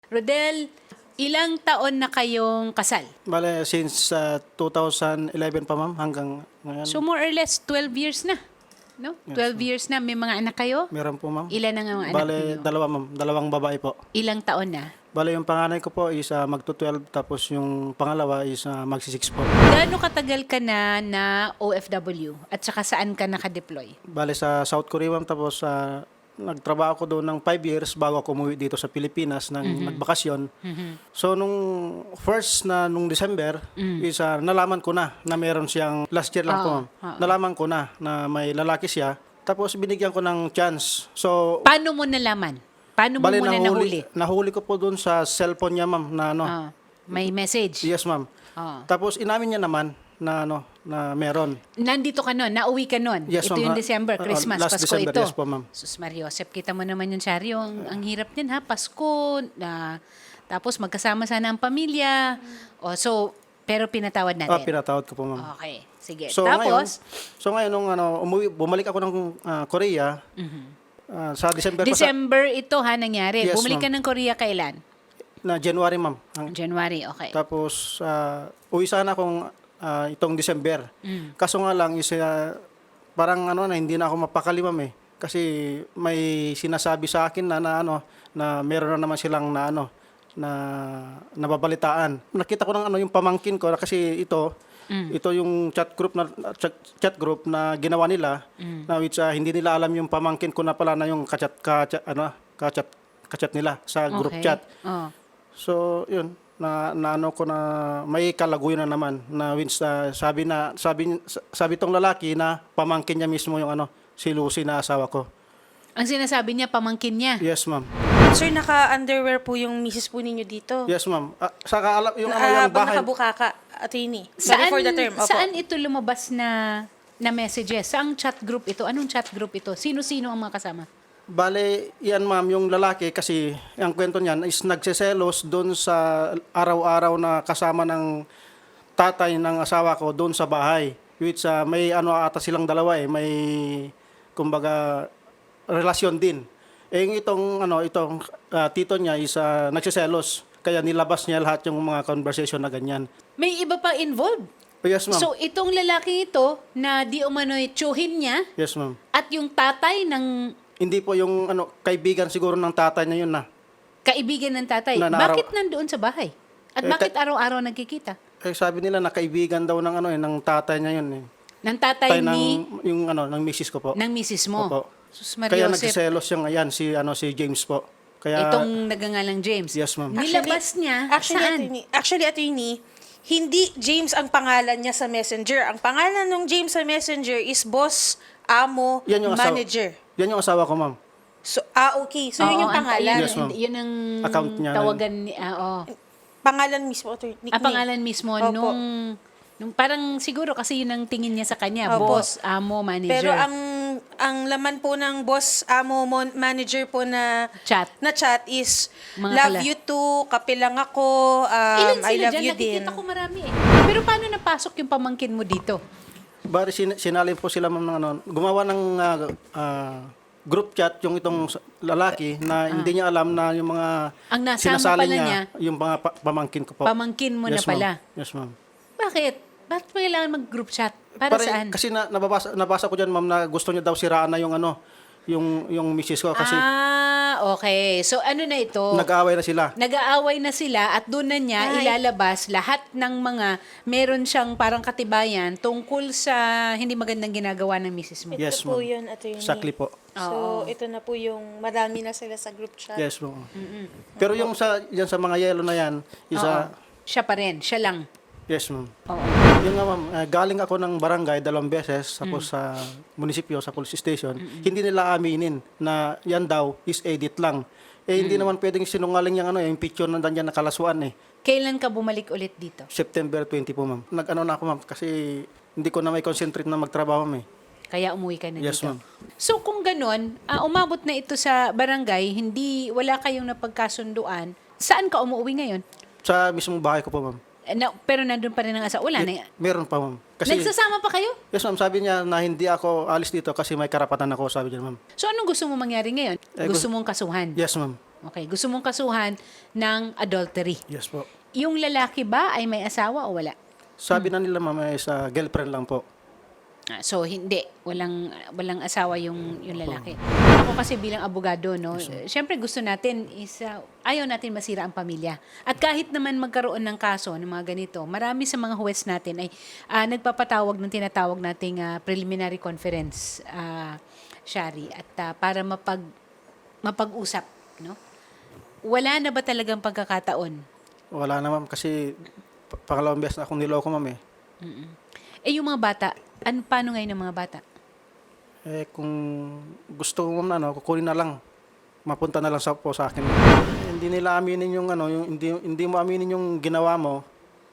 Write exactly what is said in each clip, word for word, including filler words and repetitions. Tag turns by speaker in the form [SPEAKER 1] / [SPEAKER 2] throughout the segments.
[SPEAKER 1] Rodel, ilang taon na kayong kasal?
[SPEAKER 2] Bale, since uh, two thousand eleven pa ma'am hanggang ngayon.
[SPEAKER 1] So more or less twelve years na. No? twelve years na. May mga anak kayo?
[SPEAKER 2] Meron po ma'am.
[SPEAKER 1] Ilan ang mga anak
[SPEAKER 2] Bale,
[SPEAKER 1] niyo?
[SPEAKER 2] dalawa ma'am. Dalawang babae po.
[SPEAKER 1] Ilang taon na?
[SPEAKER 2] Bale, yung panganay ko po is uh, magto twelve tapos yung pangalawa is uh, magsi six po.
[SPEAKER 1] Gaano katagal ka na na O F W? At saka saan ka nakadeploy?
[SPEAKER 2] Bale, sa South Korea ma'am tapos uh, nagtrabaho ko doon ng five years bago ako umuwi dito sa Pilipinas ng
[SPEAKER 1] Mm-hmm.
[SPEAKER 2] nagbakasyon. So, nung first na nung December,
[SPEAKER 1] Mm.
[SPEAKER 2] is uh, nalaman ko na na meron siyang, last year lang po
[SPEAKER 1] Oo,
[SPEAKER 2] ma'am,
[SPEAKER 1] oo.
[SPEAKER 2] nalaman ko na na may lalaki siya. Tapos binigyan ko ng chance. So,
[SPEAKER 1] Paano mo nalaman? Paano mo
[SPEAKER 2] bale,
[SPEAKER 1] muna nahuli?
[SPEAKER 2] nahuli, nahuli ko po doon sa cellphone niya ma'am na ano.
[SPEAKER 1] Ah, may message?
[SPEAKER 2] Yes ma'am.
[SPEAKER 1] Ah.
[SPEAKER 2] Tapos inamin niya naman na ano na meron.
[SPEAKER 1] Nandito ka nun? Nauwi ka nun?
[SPEAKER 2] Yes,
[SPEAKER 1] Ito
[SPEAKER 2] ma'am.
[SPEAKER 1] yung
[SPEAKER 2] Ah,
[SPEAKER 1] December,
[SPEAKER 2] ah,
[SPEAKER 1] Christmas,
[SPEAKER 2] last
[SPEAKER 1] Pasko
[SPEAKER 2] December,
[SPEAKER 1] ito.
[SPEAKER 2] yes po, ma'am.
[SPEAKER 1] Sus Mariosep, kita mo naman yung Charyo. Ang, ang hirap din ha, Pasko. Na, tapos magkasama sana ang pamilya. O, so, pero pinatawad natin.
[SPEAKER 2] Ah, pinatawad ko po ma'am.
[SPEAKER 1] Okay, sige.
[SPEAKER 2] So ngayon,
[SPEAKER 1] tapos,
[SPEAKER 2] so ngayon nung ano umuwi, bumalik ako ng ah, Korea. ah, sa December, pa sa,
[SPEAKER 1] December ito ha, nangyari.
[SPEAKER 2] Yes,
[SPEAKER 1] Bumalik ka
[SPEAKER 2] ma'am.
[SPEAKER 1] ng Korea kailan?
[SPEAKER 2] na January ma'am. Ang-
[SPEAKER 1] January, okay.
[SPEAKER 2] Tapos ah, uwi sana akong ah, itong December.
[SPEAKER 1] Mm.
[SPEAKER 2] Kaso nga lang is ah, parang ano na hindi na ako mapakali ma'am eh. Kasi may sinasabi sa akin na, na ano na meron na naman silang na ano na nababalitaan. Nakita ko ng ano yung pamangkin ko kasi ito
[SPEAKER 1] Mm.
[SPEAKER 2] ito yung chat group na chat, chat group na ginawa nila
[SPEAKER 1] Mm.
[SPEAKER 2] na which ah, hindi nila alam yung pamangkin ko na pala na yung kachat ka ano kachat kachat nila sa group
[SPEAKER 1] Okay.
[SPEAKER 2] chat.
[SPEAKER 1] Oh.
[SPEAKER 2] So, yun, na, na ano ko na may kalaguyo na naman na wins na sabi na sabi sabi tong lalaki na pamangkin niya mismo yung ano si Lucy na asawa ko.
[SPEAKER 1] Ang sinasabi niya, pamangkin niya.
[SPEAKER 2] Yes, ma'am.
[SPEAKER 3] Sir, naka-underwear po yung misis po ninyo dito.
[SPEAKER 2] Yes, ma'am. Ah, saka alam yung ano
[SPEAKER 3] Ah,
[SPEAKER 2] yung
[SPEAKER 3] habang
[SPEAKER 2] bahay.
[SPEAKER 3] nakabukaka, attorney.
[SPEAKER 1] Saan,
[SPEAKER 3] Before the term. Opo.
[SPEAKER 1] saan ito lumabas na na messages? Saang chat group ito? Anong chat group ito? Sino-sino ang mga kasama?
[SPEAKER 2] Bale, yan ma'am, yung lalaki kasi ang kwento niyan is nagseselos doon sa araw-araw na kasama ng tatay ng asawa ko doon sa bahay. Which ah, may ano ata silang dalawa eh, may kumbaga relasyon din. Eh yung itong ano itong ah, tito niya is ah, nagseselos kaya nilabas niya lahat yung mga conversation na ganyan.
[SPEAKER 1] May iba pa involved.
[SPEAKER 2] Oh, yes ma'am.
[SPEAKER 1] So, itong lalaki ito na di umano'y tsuhin niya
[SPEAKER 2] yes ma'am.
[SPEAKER 1] at yung tatay ng
[SPEAKER 2] Hindi po yung ano kaibigan siguro ng tatay niya yun na.
[SPEAKER 1] kaibigan ng tatay,
[SPEAKER 2] Na naraw-
[SPEAKER 1] bakit nandoon sa bahay? At
[SPEAKER 2] Eh,
[SPEAKER 1] bakit
[SPEAKER 2] ka-
[SPEAKER 1] araw-araw nagkikita?
[SPEAKER 2] Eh sabi nila na kaibigan daw ng ano eh ng tatay niya yun eh.
[SPEAKER 1] Ng tatay
[SPEAKER 2] Tay ng
[SPEAKER 1] ni,
[SPEAKER 2] yung ano ng misis ko po.
[SPEAKER 1] ng misis mo.
[SPEAKER 2] Opo.
[SPEAKER 1] Sus
[SPEAKER 2] Kaya
[SPEAKER 1] Mariosep,
[SPEAKER 2] nagseselos yung ayan si ano si James po. Kaya
[SPEAKER 1] itong nagangalang James.
[SPEAKER 2] Yes, ma'am.
[SPEAKER 1] Nilabas niya,
[SPEAKER 3] Actually,
[SPEAKER 1] saan?
[SPEAKER 3] attorney, actually, attorney, hindi James ang pangalan niya sa messenger. Ang pangalan ng James sa messenger is boss, amo,
[SPEAKER 2] yan yung asawa,
[SPEAKER 3] manager.
[SPEAKER 2] yan yung asawa ko, ma'am.
[SPEAKER 3] So, ah, okay. So, yun
[SPEAKER 1] Oo,
[SPEAKER 3] yung
[SPEAKER 1] ang-
[SPEAKER 3] pangalan.
[SPEAKER 2] Yes, ma'am.
[SPEAKER 1] Yun ang
[SPEAKER 2] Account niya.
[SPEAKER 1] tawagan ni, ah, oo.
[SPEAKER 3] Pangalan mismo, attorney.
[SPEAKER 1] Ah,
[SPEAKER 3] Nickname.
[SPEAKER 1] pangalan mismo
[SPEAKER 3] Opo.
[SPEAKER 1] nung, nung parang siguro kasi yun ang tingin niya sa kanya,
[SPEAKER 3] Opo.
[SPEAKER 1] boss, amo, manager.
[SPEAKER 3] Pero ang ang laman po ng boss, amo, mon- manager po na
[SPEAKER 1] Chat.
[SPEAKER 3] na chat is
[SPEAKER 1] Mga
[SPEAKER 3] love
[SPEAKER 1] kala-
[SPEAKER 3] you too, kape lang ako, um,
[SPEAKER 1] Ilan
[SPEAKER 3] I
[SPEAKER 1] sila
[SPEAKER 3] love
[SPEAKER 1] dyan?
[SPEAKER 3] you din.
[SPEAKER 1] Nakikita ko marami eh. Pero paano napasok yung pamangkin mo dito?
[SPEAKER 2] Bari sin- sinalin po sila ma'am ng ano, gumawa ng ah, ah, group chat yung itong s- lalaki na hindi niya alam na yung mga
[SPEAKER 1] Ah. Ang nasama
[SPEAKER 2] sinasali
[SPEAKER 1] pala niya,
[SPEAKER 2] yung mga pa- pamangkin ko po.
[SPEAKER 1] pamangkin mo na
[SPEAKER 2] Yes, ma'am.
[SPEAKER 1] pala.
[SPEAKER 2] Yes, ma'am.
[SPEAKER 1] Bakit? Bakit pa kailangan mag-group chat? Para
[SPEAKER 2] Pare-
[SPEAKER 1] saan?
[SPEAKER 2] Kasi na, nababasa, nabasa ko diyan ma'am na gusto niya daw siraan na yung ano, yung yung misis ko kasi
[SPEAKER 1] Ah, okay. So ano na ito?
[SPEAKER 2] nag-aaway na sila.
[SPEAKER 1] Nag-aaway na sila at doon na niya
[SPEAKER 3] Ay.
[SPEAKER 1] ilalabas lahat ng mga meron siyang parang katibayan tungkol sa hindi magandang ginagawa ng misis mo.
[SPEAKER 3] Ito
[SPEAKER 2] Yes,
[SPEAKER 3] po
[SPEAKER 2] ma'am.
[SPEAKER 3] yun, attorney.
[SPEAKER 2] Exactly po.
[SPEAKER 3] So, ito na po yung madami na sila sa group chat.
[SPEAKER 2] Yes, ma'am. Pero yung sa yan sa mga yellow na yan, isa
[SPEAKER 1] Oo. Siya pa rin. Siya lang.
[SPEAKER 2] yes, ma'am.
[SPEAKER 1] Oo.
[SPEAKER 2] Yung nga ma'am, eh, galing ako ng barangay dalawang beses tapos sa munisipyo, sa police station, hindi nila aminin na yan daw is edit lang. Eh hindi naman pwedeng sinungaling yung ano, yung picture na nandiyan nakalaswaan eh.
[SPEAKER 1] Kailan ka bumalik ulit dito?
[SPEAKER 2] September twenty po ma'am. Nag-ano na ako ma'am kasi hindi ko na may concentrate na magtrabaho ma'am eh.
[SPEAKER 1] Kaya umuwi ka na
[SPEAKER 2] Yes,
[SPEAKER 1] dito.
[SPEAKER 2] ma'am.
[SPEAKER 1] So kung ganun, ah, umabot na ito sa barangay, hindi wala kayong napagkasunduan, saan ka umuwi ngayon?
[SPEAKER 2] Sa mismong bahay ko po ma'am.
[SPEAKER 1] Eh, Na, pero nandun pa rin ang asa. Wala na.
[SPEAKER 2] Meron pa ma'am. Kasi
[SPEAKER 1] Nagsasama pa kayo?
[SPEAKER 2] yes ma'am, sabi niya na hindi ako alis dito kasi may karapatan ako, sabi niya ma'am.
[SPEAKER 1] So anong gusto mo mangyari ngayon?
[SPEAKER 2] Eh,
[SPEAKER 1] gusto
[SPEAKER 2] gusto-
[SPEAKER 1] mong kasuhan?
[SPEAKER 2] Yes ma'am.
[SPEAKER 1] Okay, gusto mong kasuhan ng adultery.
[SPEAKER 2] Yes po.
[SPEAKER 1] Yung lalaki ba ay may asawa o wala?
[SPEAKER 2] Sabi na nila ma'am ay sa girlfriend lang po.
[SPEAKER 1] Ah, so hindi, walang walang asawa yung yung lalaki. Ako kasi bilang abogado, no, syempre gusto natin is ah, ayaw natin masira ang pamilya. At kahit naman magkaroon ng kaso ng mga ganito, marami sa mga huwes natin ay ah, nagpapatawag ng tinatawag nating ah, preliminary conference, ah, Shari, at ah, para mapag mapag-usap, no? Wala na ba talagang pagkakataon?
[SPEAKER 2] Wala na ma'am kasi pa- pangalawang beses na akong niloko ma'am eh.
[SPEAKER 1] Eh yung mga bata, ano, paano ngayon ang mga bata?
[SPEAKER 2] Eh kung gusto mo ma'am na ano, kukunin na lang. Mapunta na lang sa po sa akin. Hindi nila aminin yung ano, yung hindi hindi mo aminin yung ginawa mo.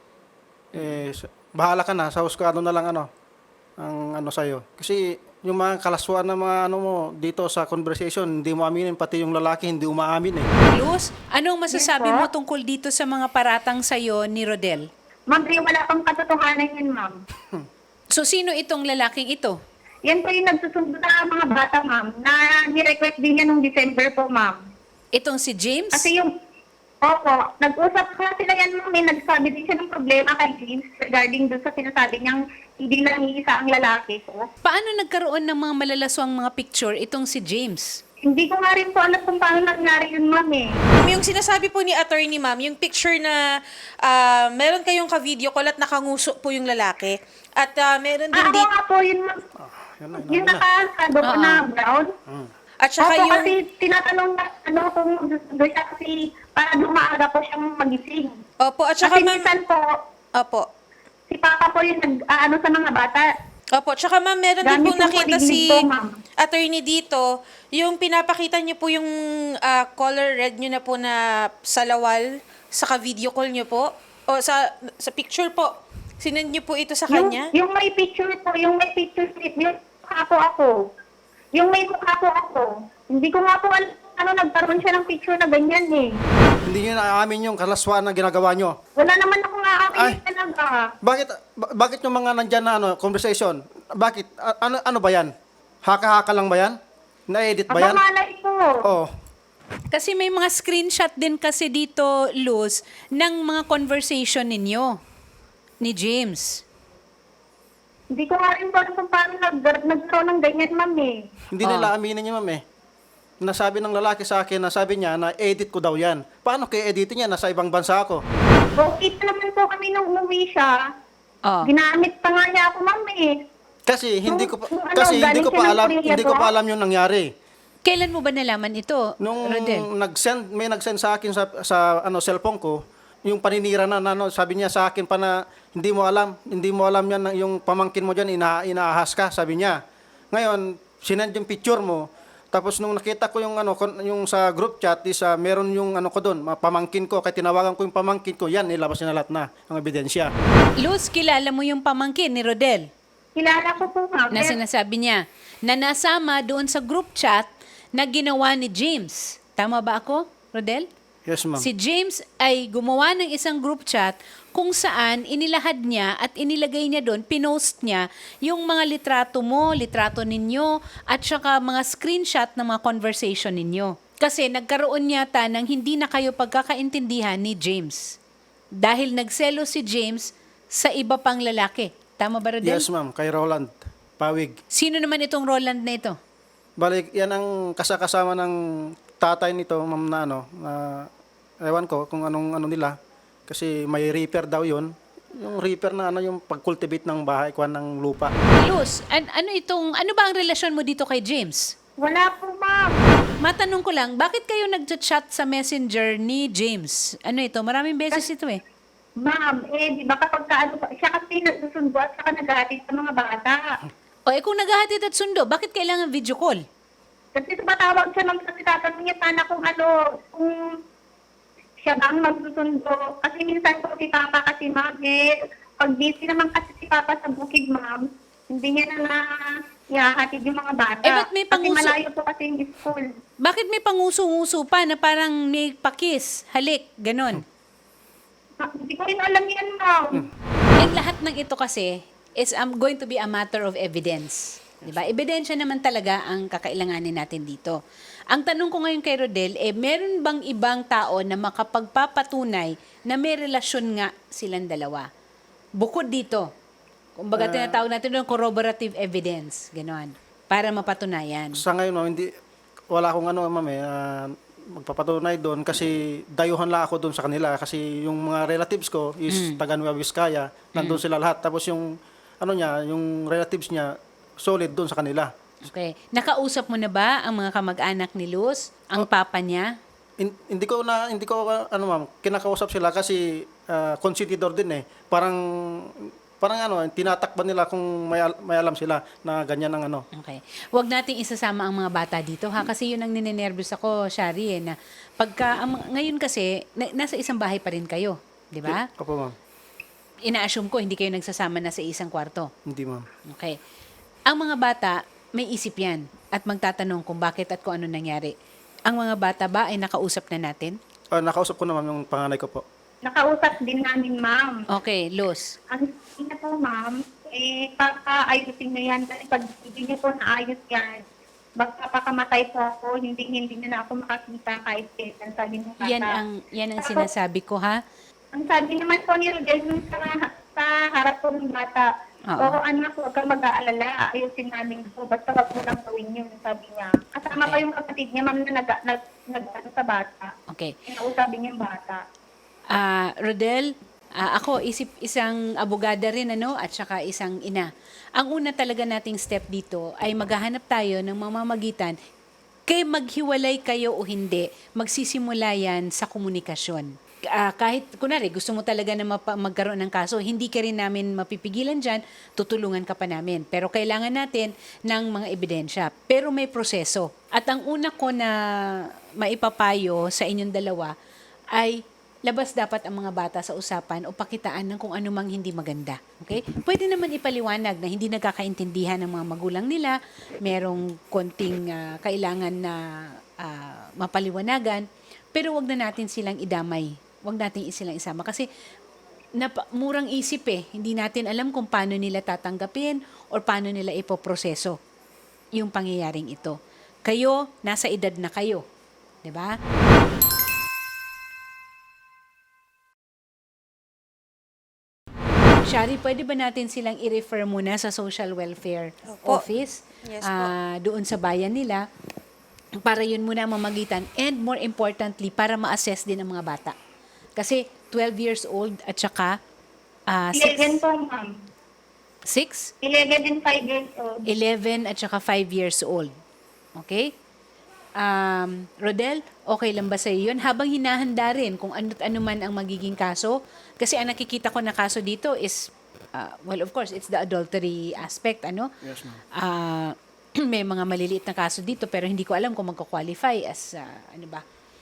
[SPEAKER 2] Eh sa- bahala ka na sa husgado na lang ano ang ano sa'yo. Kasi yung mga kalaswaan na mga ano mo dito sa conversation, hindi mo aminin, pati yung lalaki hindi umaamin eh.
[SPEAKER 1] Luz, anong masasabi
[SPEAKER 4] Yes, po.
[SPEAKER 1] mo tungkol dito sa mga paratang sa'yo ni Rodel?
[SPEAKER 4] Ma'am, eh, wala pang katotohanan yun, ma'am.
[SPEAKER 1] So, sino itong lalaking ito?
[SPEAKER 4] Yan po yung nagsusundo sa mga bata, ma'am, na ni-request din niya nung December po, ma'am.
[SPEAKER 1] Itong si James?
[SPEAKER 4] Kasi yung, opo, nag-usap nga sila yan, ma'am, eh, nagsabi din siya ng problema kay James regarding doon sa sinasabi niyang hindi lang iisa ang lalaki ko.
[SPEAKER 1] Paano nagkaroon ng mga malalaswang mga picture itong si James?
[SPEAKER 4] Hindi ko nga rin po alam kung paano nangyari yun, ma'am, eh.
[SPEAKER 3] Yung sinasabi po ni attorney ma'am, yung picture na ah, meron kayong ka-video call at nakanguso po yung lalaki. At ah, meron din
[SPEAKER 4] Ah, ako
[SPEAKER 3] dito.
[SPEAKER 4] nga po yun, ma'am.
[SPEAKER 2] Yan na,
[SPEAKER 4] Yung
[SPEAKER 2] yun na.
[SPEAKER 4] nakasado ko
[SPEAKER 1] Oo.
[SPEAKER 4] na brown.
[SPEAKER 3] At saka
[SPEAKER 4] Opo,
[SPEAKER 3] yung...
[SPEAKER 4] kasi tinatanong na ano kung magsusundo siya kasi para dumaaga po siyang magising.
[SPEAKER 3] Opo, at saka
[SPEAKER 4] Kasi
[SPEAKER 3] ma'am...
[SPEAKER 4] minsan po,
[SPEAKER 3] Opo.
[SPEAKER 4] si Papa po yung nag-ano sa mga bata.
[SPEAKER 3] Opo, tsaka ma'am, meron din
[SPEAKER 4] Gamit
[SPEAKER 3] pong
[SPEAKER 4] yung
[SPEAKER 3] nakita
[SPEAKER 4] padidinig
[SPEAKER 3] si
[SPEAKER 4] po, ma'am.
[SPEAKER 3] attorney dito, yung pinapakita niyo po yung ah, color red niyo na po na salawal sa ka-video call niyo po, o sa sa picture po. Sinend niyo po ito sa
[SPEAKER 4] Yung,
[SPEAKER 3] kanya?
[SPEAKER 4] yung may picture po, yung may picture clip, yung mukha po ako. Yung may mukha po ako. Hindi ko nga po alam ano, nagkaroon siya ng picture na ganyan eh.
[SPEAKER 2] Hindi nyo naaamin yung kalaswaan na ginagawa nyo.
[SPEAKER 4] Wala naman ako nga
[SPEAKER 2] Ay.
[SPEAKER 4] akin talaga.
[SPEAKER 2] Bakit ba- bakit yung mga nandyan na ano, conversation? Bakit? A- ano ano ba yan? Haka-haka lang ba yan? Na-edit ba
[SPEAKER 4] Aba
[SPEAKER 2] yan?
[SPEAKER 4] malay ko.
[SPEAKER 2] Oh.
[SPEAKER 1] Kasi may mga screenshot din kasi dito, Luz, ng mga conversation ninyo ni James.
[SPEAKER 4] Hindi ko nga rin po alam kung paano nag nagkaroon ng ganyan, ma'am eh.
[SPEAKER 2] Hindi nila aminin niya, ma'am eh. Nasabi ng lalaki sa akin, nasabi niya na edit ko daw yan. Paano kaya editin niya? Nasa ibang bansa ako.
[SPEAKER 4] Okay pa naman po kami nung umuwi siya.
[SPEAKER 1] Oh.
[SPEAKER 4] Ginamit pa nga niya ako, ma'am eh.
[SPEAKER 2] Kasi hindi ko pa,
[SPEAKER 4] Nung- nung ano,
[SPEAKER 2] kasi hindi
[SPEAKER 4] galing
[SPEAKER 2] ko
[SPEAKER 4] siya
[SPEAKER 2] pa
[SPEAKER 4] ng
[SPEAKER 2] alam,
[SPEAKER 4] Korea
[SPEAKER 2] hindi ko
[SPEAKER 4] po?
[SPEAKER 2] pa alam yung nangyari.
[SPEAKER 1] Kailan mo ba nalaman ito,
[SPEAKER 2] Nung
[SPEAKER 1] Rodel?
[SPEAKER 2] nag-send, may nag-send sa akin sa, sa ano cellphone ko, yung paninira na, na ano, sabi niya sa akin pa na hindi mo alam, hindi mo alam yan, na yung pamangkin mo diyan ina, inaahas ka, sabi niya. Ngayon, sinend yung picture mo. Tapos nung nakita ko yung ano kon- yung sa group chat is ah, meron yung ano ko doon, mga pamangkin ko, kaya tinawagan ko yung pamangkin ko, yan nilabas niya na lahat na ang ebidensya.
[SPEAKER 1] Luz, kilala mo yung pamangkin ni Rodel
[SPEAKER 4] Kilala ko po, ma'am.
[SPEAKER 1] na sinasabi niya na nasama doon sa group chat na ginawa ni James. Tama ba ako, Rodel?
[SPEAKER 2] Yes, ma'am.
[SPEAKER 1] Si James ay gumawa ng isang group chat kung saan inilahad niya at inilagay niya doon, pinost niya yung mga litrato mo, litrato ninyo, at saka mga screenshot ng mga conversation ninyo. Kasi nagkaroon yata ng hindi na kayo pagkakaintindihan ni James. Dahil nagselo si James sa iba pang lalaki. Tama ba, Rodel?
[SPEAKER 2] Yes, ma'am, kay Roland Pawig.
[SPEAKER 1] Sino naman itong Roland na ito?
[SPEAKER 2] Balik, yan ang kasakasama ng tatay nito, ma'am, na ano, na ewan ko kung anong ano nila. Kasi may reaper daw yun. Yung reaper na ano, yung pag-cultivate ng bahay, kuha ng lupa.
[SPEAKER 1] Luz, an- ano itong, ano ba ang relasyon mo dito kay James?
[SPEAKER 4] Wala po, ma'am.
[SPEAKER 1] Matanong ko lang, bakit kayo nag-chat sa messenger ni James? Ano ito? Maraming beses ito eh.
[SPEAKER 4] Ma'am, eh, di ba kapag ka, ano, siya kasi nagsusundo at saka naghahatid sa mga bata.
[SPEAKER 1] O eh kung naghahatid at sundo, bakit kailangan video call?
[SPEAKER 4] Kasi tumatawag siya ng kasi tatanong niya sana kung ano, kung siya bang magsusundo. Kasi minsan po si Papa kasi, ma'am, eh, pag busy naman kasi si Papa sa bukid, ma'am, hindi niya na na ihahatid yung mga bata.
[SPEAKER 1] Eh, ba't may
[SPEAKER 4] kasi
[SPEAKER 1] panguso-
[SPEAKER 4] malayo po kasi yung school.
[SPEAKER 1] Bakit may panguso-nguso pa na parang may pakis, halik, ganon?
[SPEAKER 4] Ma- Hindi ko rin alam yan, ma'am.
[SPEAKER 1] Yung lahat ng ito kasi is um, going to be a matter of evidence. Diba? Ebidensya naman talaga ang kakailanganin natin dito. Ang tanong ko ngayon kay Rodel, eh, meron bang ibang tao na makapagpapatunay na may relasyon nga silang dalawa? Bukod dito, kumbaga tinatawag natin doon corroborative evidence, gano'n, para mapatunayan.
[SPEAKER 2] Sa ngayon, ma'am, hindi, wala akong ano, ma'am, eh, ah, magpapatunay doon kasi dayuhan lang ako doon sa kanila kasi yung mga relatives ko is taga Nueva Vizcaya, nandun sila lahat. Tapos yung, ano niya, yung relatives niya, solid doon sa kanila.
[SPEAKER 1] Okay. Nakausap mo na ba ang mga kamag-anak ni Luz, ang papa niya?
[SPEAKER 2] In- hindi ko na hindi ko uh, ano ma'am, kinakausap sila kasi uh, consentidor din eh. Parang parang ano, tinatakban nila kung may, al- may alam sila na ganyan ang ano.
[SPEAKER 1] Okay. Huwag nating isasama ang mga bata dito ha kasi yun ang ninenervous ako, Shari, eh, na pagka ang, ngayon kasi na, nasa isang bahay pa rin kayo, di ba?
[SPEAKER 2] Opo ma'am.
[SPEAKER 1] Ina-assume ko hindi kayo nagsasama na sa isang kwarto.
[SPEAKER 2] Hindi ma'am.
[SPEAKER 1] Okay. Ang mga bata may isip yan at magtatanong kung bakit at kung ano nangyari. Ang mga bata ba ay nakausap na natin?
[SPEAKER 2] Ah, nakausap ko na ma'am yung panganay ko po.
[SPEAKER 4] Nakausap din namin, ma'am.
[SPEAKER 1] Okay, Luz.
[SPEAKER 4] Ang sabi na po, ma'am, eh, paka-ayusin niyo yan. Kasi pag hindi niyo po naayos yan, magpapakamatay po ako, hindi hindi na, na ako makakita kahit kailan, sabi ng bata.
[SPEAKER 1] Yan ang yan ang
[SPEAKER 4] Tapos,
[SPEAKER 1] sinasabi ko ha.
[SPEAKER 4] Ang sabi naman po ni Rodel nung sa, sa harap po ng bata,
[SPEAKER 1] Oo.
[SPEAKER 4] oo anak, huwag kang mag-aalala, ayusin namin po, basta wag mo lang gawin yun, sabi niya. Kasama pa yung kapatid niya, ma'am, na nag, nag, nag, ano, sa bata.
[SPEAKER 1] Okay.
[SPEAKER 4] Kinausapin niya yung bata.
[SPEAKER 1] Ah, Rodel, ah, ako isip isang abogada rin ano at saka isang ina. Ang una talaga nating step dito ay maghahanap tayo ng mamamagitan kay maghiwalay kayo o hindi, magsisimula yan sa komunikasyon. Ah, kahit, kunwari, gusto mo talaga na mapa- magkaroon ng kaso, hindi ka rin namin mapipigilan dyan, tutulungan ka pa namin. Pero kailangan natin ng mga ebidensya. Pero may proseso. At ang una ko na maipapayo sa inyong dalawa ay labas dapat ang mga bata sa usapan o pakitaan ng kung ano mang hindi maganda. Okay? Pwede naman ipaliwanag na hindi nagkakaintindihan ng mga magulang nila, merong konting ah, kailangan na ah, mapaliwanagan, pero wag na natin silang idamay. Wag natin silang isama kasi napa, murang isip eh. Hindi natin alam kung paano nila tatanggapin or paano nila ipoproseso yung pangyayaring ito. Kayo, nasa edad na kayo. 'Di ba? Shari, pwede ba natin silang i-refer muna sa social welfare
[SPEAKER 3] Opo.
[SPEAKER 1] office?
[SPEAKER 3] Yes po.
[SPEAKER 1] Ah, doon sa bayan nila para yun muna ang mamagitan and more importantly, para ma-assess din ang mga bata. Kasi twelve years old at saka ah,
[SPEAKER 4] eleven
[SPEAKER 1] six,
[SPEAKER 4] po, ma'am.
[SPEAKER 1] six,
[SPEAKER 4] eleven and five years old.
[SPEAKER 1] eleven at saka five years old. Okay? Um, Rodel, okay lang ba sa iyo yun? Habang hinahanda rin kung ano't ano man ang magiging kaso. Kasi ang nakikita ko na kaso dito is, uh, well, of course, it's the adultery aspect, ano?
[SPEAKER 2] Yes ma'am.
[SPEAKER 1] Ah, may mga maliliit na kaso dito pero hindi ko alam kung magko-qualify as, uh, ano ba,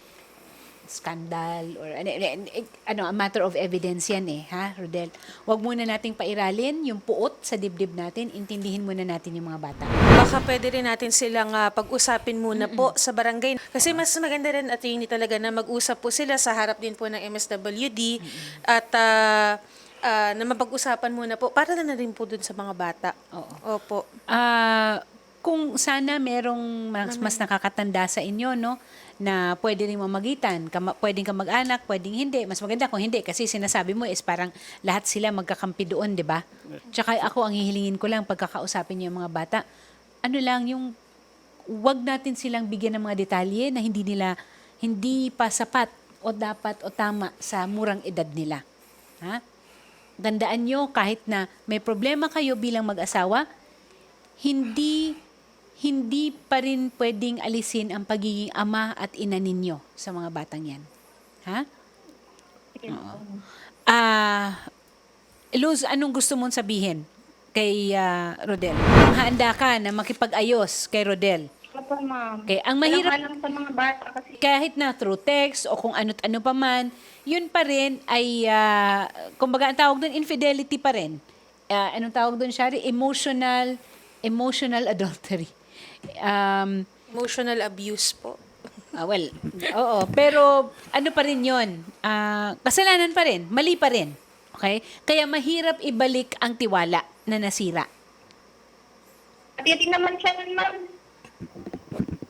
[SPEAKER 1] scandal or ano, ano, a matter of evidence yan eh, ha, Rodel? Huwag muna nating pairalin yung puot sa dibdib natin, intindihin muna natin yung mga bata.
[SPEAKER 3] Baka pwede rin natin silang ah, pag-usapin muna po sa barangay. Kasi mas maganda rin at yun talaga na mag-usap po sila sa harap din po ng M S W D at ah, ah, na mapag-usapan muna po para na rin po dun sa mga bata.
[SPEAKER 1] Oo.
[SPEAKER 3] Opo.
[SPEAKER 1] Ah, kung sana merong mas, mas nakakatanda sa inyo, no, na pwede rin mamagitan, kama, pwedeng kamag-anak, pwedeng hindi. Mas maganda kung hindi kasi sinasabi mo is parang lahat sila magkakampi doon, di ba? Tsaka ako ang hihilingin ko lang pagkakausapin niyo yung mga bata. Ano lang yung wag natin silang bigyan ng mga detalye na hindi nila hindi pa sapat o dapat o tama sa murang edad nila. Ha? Tandaan nyo kahit na may problema kayo bilang mag-asawa, hindi hindi pa rin pwedeng alisin ang pagiging ama at ina ninyo sa mga batang yan. Ha? Oo. Ah, Luz, anong gusto mong sabihin kay ah, Rodel? Handa ka na makipag-ayos kay Rodel.
[SPEAKER 4] Opo, ma'am.
[SPEAKER 1] Okay, ang mahirap-
[SPEAKER 4] Walang alam sa mga bata kasi
[SPEAKER 1] Kahit na through text o kung ano't ano pa man, yun pa rin ay, ah, kumbaga ang tawag doon, infidelity pa rin. Ah, anong tawag doon, Shari? Emotional, emotional adultery. Um,
[SPEAKER 3] Emotional abuse po.
[SPEAKER 1] ah, well, oo. Pero ano pa rin yun? Ah, kasalanan pa rin. Mali pa rin. Okay? Kaya mahirap ibalik ang tiwala na nasira.
[SPEAKER 4] at hindi naman siya nun, ma'am.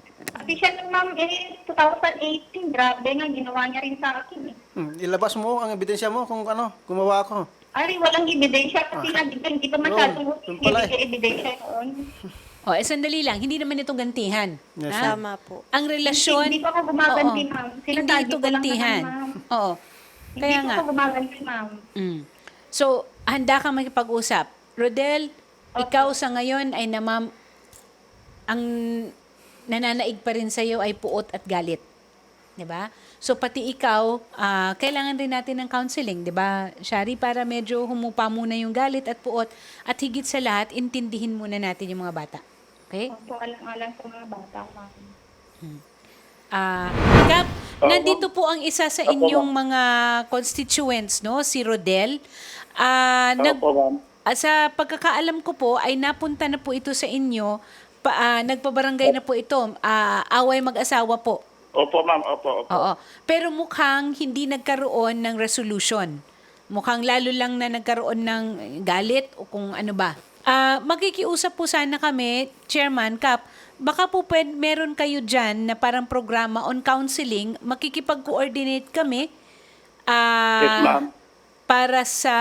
[SPEAKER 4] Kasi siya lang, ma'am, eh, twenty eighteen, grabe nga, ginawa niya rin sa akin eh.
[SPEAKER 2] Hmm, ilabas mo ang ebidensya mo kung ano, gumawa ako.
[SPEAKER 4] Ari, walang ebidensya kasi nga, di ba, hindi pa masyadong
[SPEAKER 2] Yun, yun pala eh.
[SPEAKER 4] ibigay ebidensya noon.
[SPEAKER 1] O, eh, sandali lang. Hindi naman ito gantihan.
[SPEAKER 2] Yes,
[SPEAKER 1] ha?
[SPEAKER 3] Tama po.
[SPEAKER 1] Ang relasyon...
[SPEAKER 4] Hindi pa ako gumaganti,
[SPEAKER 1] Oo.
[SPEAKER 4] ma'am.
[SPEAKER 1] Hindi
[SPEAKER 4] Sinasabi
[SPEAKER 1] ito
[SPEAKER 4] ko lang
[SPEAKER 1] gantihan.
[SPEAKER 4] naman, ma'am.
[SPEAKER 1] Oo. Kaya
[SPEAKER 4] Hindi
[SPEAKER 1] nga.
[SPEAKER 4] pa ako gumaganti, ma'am.
[SPEAKER 1] Mm. So, handa kang makipag-usap. Rodel, ikaw sa ngayon ay namam... Ang nananaig pa rin sa'yo ay puot at galit. 'Di ba? So, pati ikaw, ah, kailangan rin natin ng counseling, 'di ba, Shari? Para medyo humupa muna yung galit at puot. At higit sa lahat, intindihin muna natin yung mga bata. Okay?
[SPEAKER 4] Opo, alang-alang sa mga bata, ma'am.
[SPEAKER 1] Ah, Kap, nandito po ang isa sa inyong mga constituents, no? Si Rodel. Ah, nag,
[SPEAKER 5] Opo, ma'am.
[SPEAKER 1] ah, sa pagkakaalam ko po, ay napunta na po ito sa inyo. Pa, ah, nagpabarangay na po ito. Ah, away mag-asawa po.
[SPEAKER 5] Opo, ma'am. Opo, opo.
[SPEAKER 1] Oo. Pero mukhang hindi nagkaroon ng resolution. Mukhang lalo lang na nagkaroon ng galit o kung ano ba. Ah, magkikiusap po sana kami, Chairman Kap, baka po pwede, meron kayo dyan na parang programa on counseling, makikipag-coordinate kami ah,
[SPEAKER 5] Yes, ma'am.
[SPEAKER 1] para sa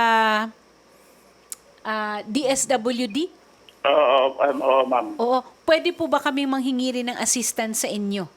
[SPEAKER 1] ah, D S W D.
[SPEAKER 5] Oo, um, oo, ma'am.
[SPEAKER 1] Oo. Pwede po ba kami manghingi rin ng assistance sa inyo?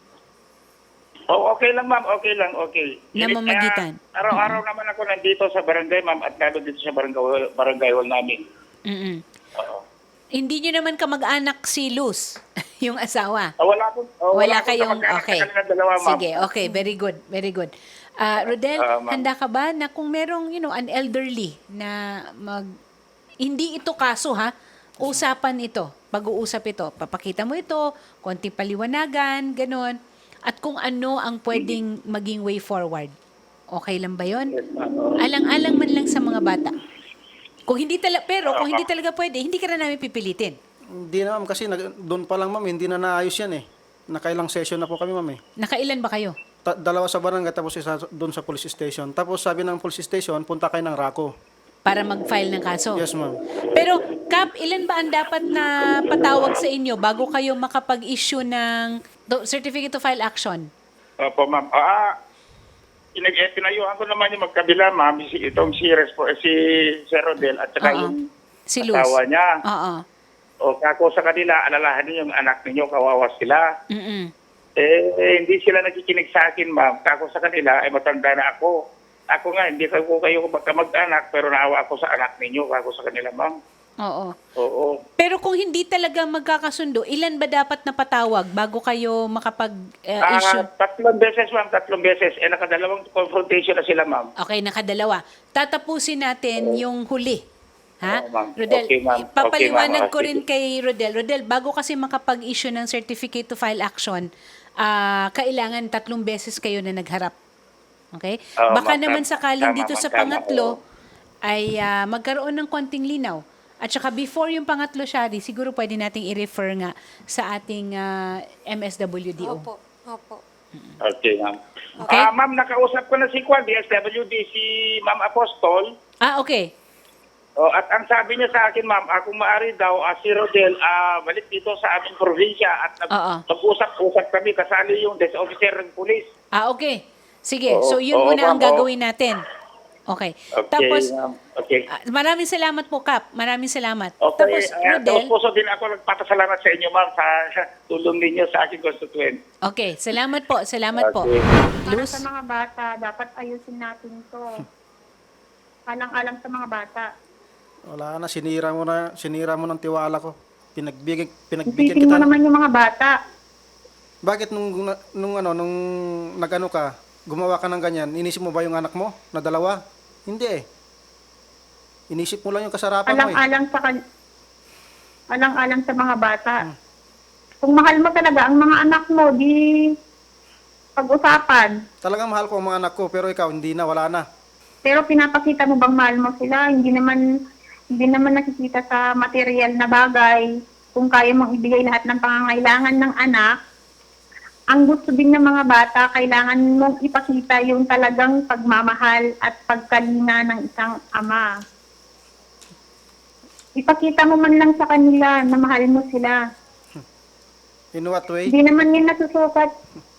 [SPEAKER 5] Oh, okay lang, ma'am. Okay lang, okay.
[SPEAKER 1] Na mamagitan.
[SPEAKER 5] Kaya araw-araw naman ako nandito sa barangay, ma'am, at lalo dito sa barangay, barangay hall namin.
[SPEAKER 1] Mm-mm.
[SPEAKER 5] Oo.
[SPEAKER 1] Hindi nyo naman kamag-anak si Luz, yung asawa.
[SPEAKER 5] Ah, wala po. oh,
[SPEAKER 1] Wala
[SPEAKER 5] akong
[SPEAKER 1] kayong,
[SPEAKER 5] kamag-anak
[SPEAKER 1] okay.
[SPEAKER 5] sa kanilang dalawa, ma'am.
[SPEAKER 1] Sige, okay, very good, very good. Ah, Rodel,
[SPEAKER 5] Ah, ma'am.
[SPEAKER 1] handa ka ba na kung merong, you know, an elderly na mag, hindi ito kaso ha, usapan ito, pag-uusap ito, papakita mo ito, konting paliwanagan, ganun, at kung ano ang pwedeng maging way forward. Okay lang ba yon?
[SPEAKER 5] Yes, ma'am.
[SPEAKER 1] Alang-alang man lang sa mga bata. Kung hindi talaga, pero kung hindi talaga pwede, hindi ka na namin pipilitin.
[SPEAKER 2] Hindi na ma'am kasi nag, doon pa lang ma'am, hindi na naayos yan eh. Nakailang session na po kami ma'am eh.
[SPEAKER 1] Nakailan ba kayo?
[SPEAKER 2] Ta- dalawa sa barangay tapos isa doon sa police station. Tapos sabi ng police station, punta kayo ng Raco.
[SPEAKER 1] Para mag-file ng kaso?
[SPEAKER 2] Yes ma'am.
[SPEAKER 1] Pero, Kap, ilan ba ang dapat na patawag sa inyo bago kayo makapag-issue ng do- certificate to file action?
[SPEAKER 5] Opo, ma'am. Ah, pinag eh, pinayuhan ko naman yung magkabila, ma'am, si, itong si, Respo, eh, si Sir Rodel at saka
[SPEAKER 1] Oo.
[SPEAKER 5] yung
[SPEAKER 1] Si Luz?
[SPEAKER 5] asawa niya.
[SPEAKER 1] Oo.
[SPEAKER 5] O kako sa kanila, alalahan niyo yung anak ninyo, kawawa sila.
[SPEAKER 1] Mm-mm.
[SPEAKER 5] Eh, eh, hindi sila nakikinig sa akin, ma'am. Kako sa kanila, ay matanda na ako. Ako nga, hindi ko kayo magkamag-anak, pero naawa ako sa anak ninyo, kako sa kanila, ma'am.
[SPEAKER 1] Oo.
[SPEAKER 5] Oo.
[SPEAKER 1] Pero kung hindi talaga magkakasundo, ilan ba dapat na patawag bago kayo
[SPEAKER 5] Ah,
[SPEAKER 1] makapag-issue?
[SPEAKER 5] tatlong beses, ma'am, tatlong beses. Eh, nakadalawang confrontation na sila, ma'am.
[SPEAKER 1] Okay, nakadalawa. Tatapusin natin yung huli. Ha?
[SPEAKER 5] Oo, ma'am.
[SPEAKER 1] Rodel,
[SPEAKER 5] Okay, ma'am.
[SPEAKER 1] papaliwanag
[SPEAKER 5] Okay, ma'am.
[SPEAKER 1] ko rin kay Rodel. Rodel, bago kasi makapag-issue ng certificate to file action, ah, kailangan tatlong beses kayo na nagharap. Okay?
[SPEAKER 5] Oo,
[SPEAKER 1] Baka
[SPEAKER 5] ma'am.
[SPEAKER 1] naman
[SPEAKER 5] Tama,
[SPEAKER 1] sakaling
[SPEAKER 5] tama,
[SPEAKER 1] dito
[SPEAKER 5] ma'am.
[SPEAKER 1] sa
[SPEAKER 5] Tama,
[SPEAKER 1] pangatlo
[SPEAKER 5] oo.
[SPEAKER 1] ay ah, magkaroon ng konting linaw. At saka before yung pangatlo, Shari, siguro pwede nating i-refer nga sa ating ah, M S W D O.
[SPEAKER 3] Opo. Opo.
[SPEAKER 5] Okay, ma'am.
[SPEAKER 1] Okay.
[SPEAKER 5] Ah, ma'am, nakausap ko na si Kwan, D S W D, si Ma'am Apostol.
[SPEAKER 1] Ah, okay.
[SPEAKER 5] Oh, at ang sabi niya sa akin, ma'am, ah, kung maaari daw, ah, si Rodel, ah, balik dito sa aming probinsya at nag-
[SPEAKER 1] Oo.
[SPEAKER 5] mag-usap-usap kami, kasali yung desk officer ng police.
[SPEAKER 1] Ah, okay. Sige,
[SPEAKER 5] Oo,
[SPEAKER 1] so yun
[SPEAKER 5] oo,
[SPEAKER 1] muna ang
[SPEAKER 5] ma'am, oo.
[SPEAKER 1] gagawin natin. Okay.
[SPEAKER 5] Okay,
[SPEAKER 1] Tapos,
[SPEAKER 5] ma'am. Okay.
[SPEAKER 1] ah, maraming salamat po, Kap. Maraming salamat.
[SPEAKER 5] Okay,
[SPEAKER 1] Tapos,
[SPEAKER 5] uh,
[SPEAKER 1] Rodel,
[SPEAKER 5] puso din ako nagpapasalamat sa inyo, ma'am, sa tulong ninyo sa aking constituent.
[SPEAKER 1] okay, salamat po, salamat po.
[SPEAKER 5] Okay.
[SPEAKER 4] Para
[SPEAKER 1] Luz,
[SPEAKER 4] sa mga bata, dapat ayusin natin to. Alang-alang sa mga bata.
[SPEAKER 2] Wala na, sinira mo na, sinira mo ng tiwala ko. Pinagbigyan, pinagbigyan
[SPEAKER 4] Isipin mo
[SPEAKER 2] kita.
[SPEAKER 4] naman yung mga bata.
[SPEAKER 2] Bakit nung, nung ano, nung nagano ka, gumawa ka ng ganyan, inisip mo ba yung anak mo na dalawa? Hindi eh. Inisip mo lang yung kasarapan mo eh.
[SPEAKER 4] Alang-alang sa kan- alang-alang sa mga bata. Kung mahal mo talaga ang mga anak mo, di pag-usapan.
[SPEAKER 2] Talagang mahal ko ang mga anak ko, pero ikaw, hindi na, wala na.
[SPEAKER 4] Pero pinapakita mo bang mahal mo sila? Hindi naman hindi naman nakikita sa material na bagay. Kung kaya mong ibigay lahat ng pangangailangan ng anak, ang gusto din ng mga bata, kailangan mong ipakita yung talagang pagmamahal at pagkalinga ng isang ama. Ipakita mo man lang sa kanila na mahal mo sila.
[SPEAKER 2] In what way?
[SPEAKER 4] Hindi naman yan nasusukat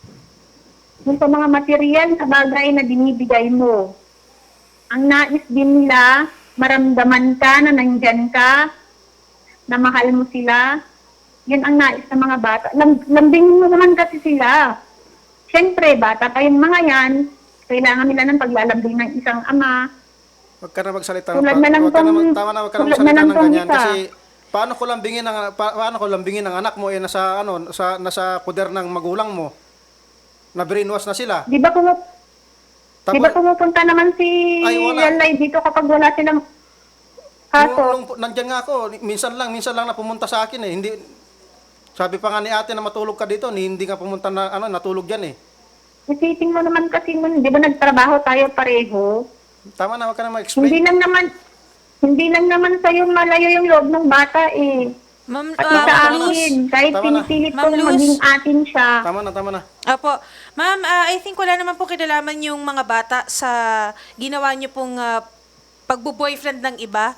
[SPEAKER 4] dun sa mga material na bagay na binibigay mo. Ang nais din nila, maramdaman ka na nandyan ka, na mahal mo sila. Yan ang nais ng mga bata. Lam- lambingin mo naman kasi sila. Siyempre, bata pa yung mga yan. Kailangan nila ng paglalambing ng isang ama.
[SPEAKER 2] Wag ka na magsalita.
[SPEAKER 4] Tulad
[SPEAKER 2] pa-
[SPEAKER 4] na lang
[SPEAKER 2] wag ka na,
[SPEAKER 4] tong-
[SPEAKER 2] tama na, wag ka na
[SPEAKER 4] tulad
[SPEAKER 2] magsalita
[SPEAKER 4] na lang
[SPEAKER 2] ng
[SPEAKER 4] tong
[SPEAKER 2] ganyan.
[SPEAKER 4] isa.
[SPEAKER 2] Kasi paano ko lambingin ang pa, paano ko lambingin ang anak mo eh nasa ano sa nasa poder ng magulang mo. Na brainwash na sila.
[SPEAKER 4] Di ba kumu-
[SPEAKER 2] Tapos,
[SPEAKER 4] di ba pumupunta naman si
[SPEAKER 2] Ay, wala.
[SPEAKER 4] Lalay dito kapag wala silang kaso?
[SPEAKER 2] nung, nung, nandyan nga ako, minsan lang, minsan lang na pumunta sa akin eh. Hindi, sabi pa nga ni ate na matulog ka dito, ni- hindi nga pumunta na, ano, natulog yan eh.
[SPEAKER 4] Isipin mo naman kasi nun, di ba nagtrabaho tayo pareho?
[SPEAKER 2] Tama na, wag ka na ma-explain.
[SPEAKER 4] Hindi lang naman, hindi lang naman sa'yo malayo yung loob ng bata eh.
[SPEAKER 3] Ma'am,
[SPEAKER 4] Pati
[SPEAKER 3] ah,
[SPEAKER 4] sa
[SPEAKER 3] Ma'am Luz.
[SPEAKER 4] akin, kahit
[SPEAKER 2] Tama na.
[SPEAKER 4] pinipilit
[SPEAKER 3] Ma'am
[SPEAKER 4] kong
[SPEAKER 3] Luz.
[SPEAKER 4] maging atin siya.
[SPEAKER 2] Tama na, tama na.
[SPEAKER 3] Opo. Ma'am, ah, I think wala naman po kinalaman yung mga bata sa ginawa niyo pong ah, pagbo-boyfriend ng iba.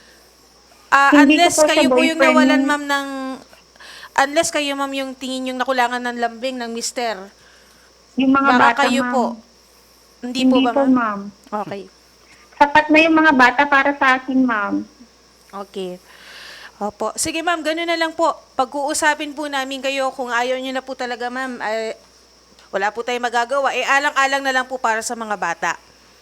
[SPEAKER 3] Ah,
[SPEAKER 4] Hindi ko
[SPEAKER 3] unless
[SPEAKER 4] po siya
[SPEAKER 3] kayo po yung
[SPEAKER 4] boyfriend.
[SPEAKER 3] nawalan, ma'am, ng... Unless kayo, ma'am, yung tingin yung nakulangan ng lambing ng mister.
[SPEAKER 4] Yung mga
[SPEAKER 3] Baka
[SPEAKER 4] bata,
[SPEAKER 3] kayo
[SPEAKER 4] ma'am.
[SPEAKER 3] po. Hindi,
[SPEAKER 4] Hindi
[SPEAKER 3] po ba,
[SPEAKER 4] po,
[SPEAKER 3] ma'am?
[SPEAKER 4] ma'am.
[SPEAKER 3] Okay.
[SPEAKER 4] Sapat na yung mga bata para sa akin, ma'am.
[SPEAKER 3] Okay. Opo. Sige, ma'am, gano'n na lang po. Pag-uusapin po namin kayo kung ayaw niyo na po talaga, ma'am, ay, wala po tayong magagawa. Eh, alang-alang na lang po para sa mga bata.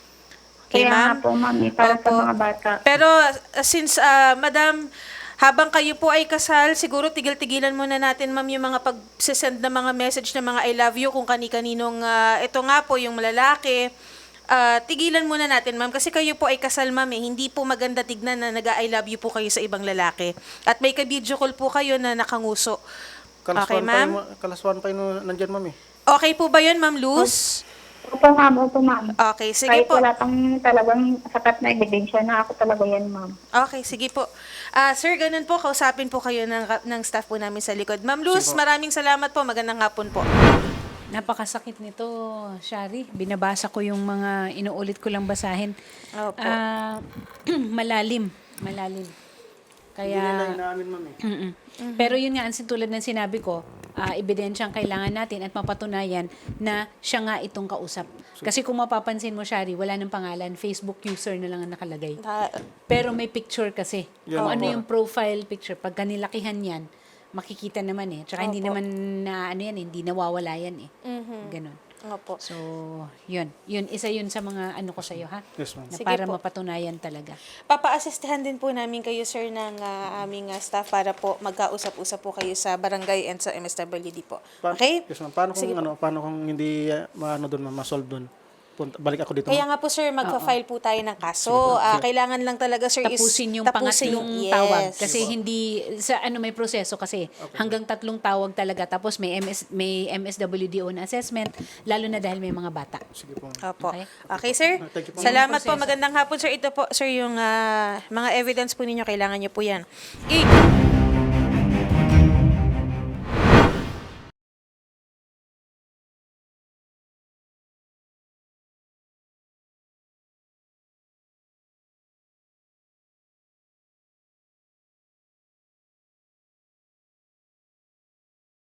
[SPEAKER 3] Okay,
[SPEAKER 4] Kaya
[SPEAKER 3] ma'am?
[SPEAKER 4] nga po, ma'am, eh, para sa
[SPEAKER 3] Opo.
[SPEAKER 4] mga bata.
[SPEAKER 3] Pero uh, since, uh, madam, habang kayo po ay kasal, siguro tigil-tigilan muna natin, ma'am, yung mga pag-send na mga message na mga I love you kung kani-kaninong, uh, ito nga po, yung malalaki. Uh, tigilan muna natin, ma'am, kasi kayo po ay kasal, ma'am, eh. Hindi po maganda tignan na nag-I love you po kayo sa ibang lalaki. At may ka-video call po kayo na nakanguso. Okay,
[SPEAKER 2] Kalaswan pa
[SPEAKER 3] ma'am?
[SPEAKER 2] yung, kalaswan pa yung nandyan, ma'am eh.
[SPEAKER 3] Okay po ba yun, ma'am Luz?
[SPEAKER 4] Opo, ma'am, opo, ma'am.
[SPEAKER 3] Okay, sige
[SPEAKER 4] Kahit
[SPEAKER 3] po.
[SPEAKER 4] wala pang talagang sapat na ebidensya na ako talaga yan, ma'am.
[SPEAKER 3] Okay, sige po. Ah, sir, ganun po, kausapin po kayo ng, ng staff po namin sa likod. Ma'am Luz, maraming salamat po. Magandang hapon po.
[SPEAKER 1] Napakasakit nito, Shari. Binabasa ko yung mga inuulit ko lang basahin.
[SPEAKER 3] Opo.
[SPEAKER 1] Ah, malalim, malalim.
[SPEAKER 2] Hindi nila
[SPEAKER 1] Kaya
[SPEAKER 2] inaamin, ma'am eh.
[SPEAKER 1] Mm-mm. Pero yun nga, ang tulad ng sinabi ko, ah, ebidensyang kailangan natin at mapatunayan na siya nga itong kausap. Kasi kung mapapansin mo, Shari, wala ng pangalan, Facebook user na lang ang nakalagay.
[SPEAKER 3] Ah,
[SPEAKER 1] Pero may picture kasi.
[SPEAKER 2] Yan
[SPEAKER 1] Kung
[SPEAKER 2] ang
[SPEAKER 1] ano
[SPEAKER 2] mga-
[SPEAKER 1] yung profile picture, pag kanilakihan yan, makikita naman eh. Tsaka hindi
[SPEAKER 3] Opo.
[SPEAKER 1] naman na ano yan, hindi nawawala yan eh.
[SPEAKER 3] mhm.
[SPEAKER 1] Ganon.
[SPEAKER 3] Opo.
[SPEAKER 1] So, yun. Yun, isa yun sa mga ano ko sa'yo, ha?
[SPEAKER 2] Yes, ma'am.
[SPEAKER 1] Na
[SPEAKER 3] Sige
[SPEAKER 1] para
[SPEAKER 3] po.
[SPEAKER 1] mapatunayan talaga.
[SPEAKER 3] Papa-assistahan din po namin kayo, sir, ng ah, aming ah, staff para po magkausap-usap po kayo sa barangay and sa M S W D po.
[SPEAKER 2] Pa-
[SPEAKER 3] Okay?
[SPEAKER 2] Yes, ma'am. Paano kung,
[SPEAKER 3] Sige po.
[SPEAKER 2] ano, paano kung hindi uh, maano doon, ma'am, ma-solve doon? Punta, balik ako dito,
[SPEAKER 3] Kaya
[SPEAKER 2] ma'am.
[SPEAKER 3] nga po, sir, magpa-file po tayo ng kaso. Ah, kailangan lang talaga, sir, is
[SPEAKER 1] Tapusin yung
[SPEAKER 3] tapusin-
[SPEAKER 1] pangatlong
[SPEAKER 3] yes.
[SPEAKER 1] tawag. Kasi hindi, sa ano may proseso kasi. Hanggang tatlong tawag talaga. Tapos may M S, may M S W D O na assessment. Lalo na dahil may mga bata.
[SPEAKER 2] Sige po, ma'am.
[SPEAKER 3] Opo.
[SPEAKER 1] Okay.
[SPEAKER 3] Okay, sir.
[SPEAKER 2] Ah, thank you po.
[SPEAKER 3] Salamat po.
[SPEAKER 1] Proseso.
[SPEAKER 3] Magandang hapon, sir. Ito po, sir, yung ah, mga evidence po ninyo. Kailangan nyo po yan. Okay.